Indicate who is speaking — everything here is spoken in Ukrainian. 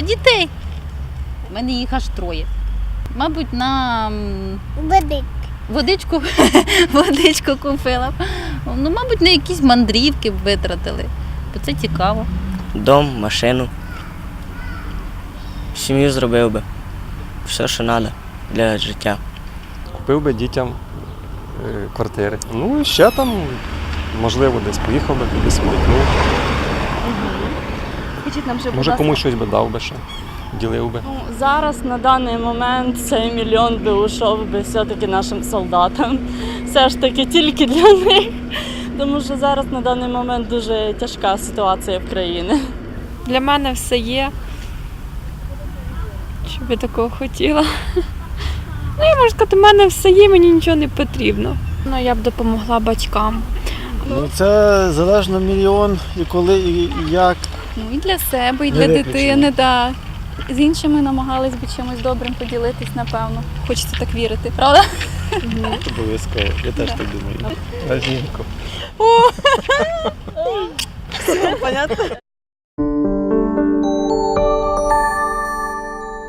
Speaker 1: дітей. У мене їх аж 3. Мабуть, на водичку купила. Ну, мабуть, на якісь мандрівки б витратили, бо це цікаво.
Speaker 2: Дом, машину. Сім'ю зробив би. Все, що треба для життя.
Speaker 3: Купив би дітям квартири. Ну і ще там, можливо, десь поїхав би, кудись смикнув.
Speaker 4: Скажіть нам,
Speaker 3: Може, комусь щось би дав би ще, ділив би.
Speaker 4: Ну, зараз на даний момент цей мільйон би ушов би все-таки нашим солдатам. Все ж таки тільки для них. Тому що зараз на даний момент дуже тяжка ситуація в країні.
Speaker 5: Для мене все є, що би такого хотіла. Ну, я можу сказати, в мене все є, мені нічого не потрібно. Ну, я б допомогла батькам.
Speaker 6: Ну, це залежно мільйон і коли, і як.
Speaker 7: Ну і для себе, і
Speaker 6: Не
Speaker 7: для
Speaker 6: виключено.
Speaker 7: дитини, так. З іншими намагались би чимось добрим поділитись, напевно. Хочеться так вірити, правда?
Speaker 6: Обов'язково, я теж так думаю. На жінку.
Speaker 4: Понятно?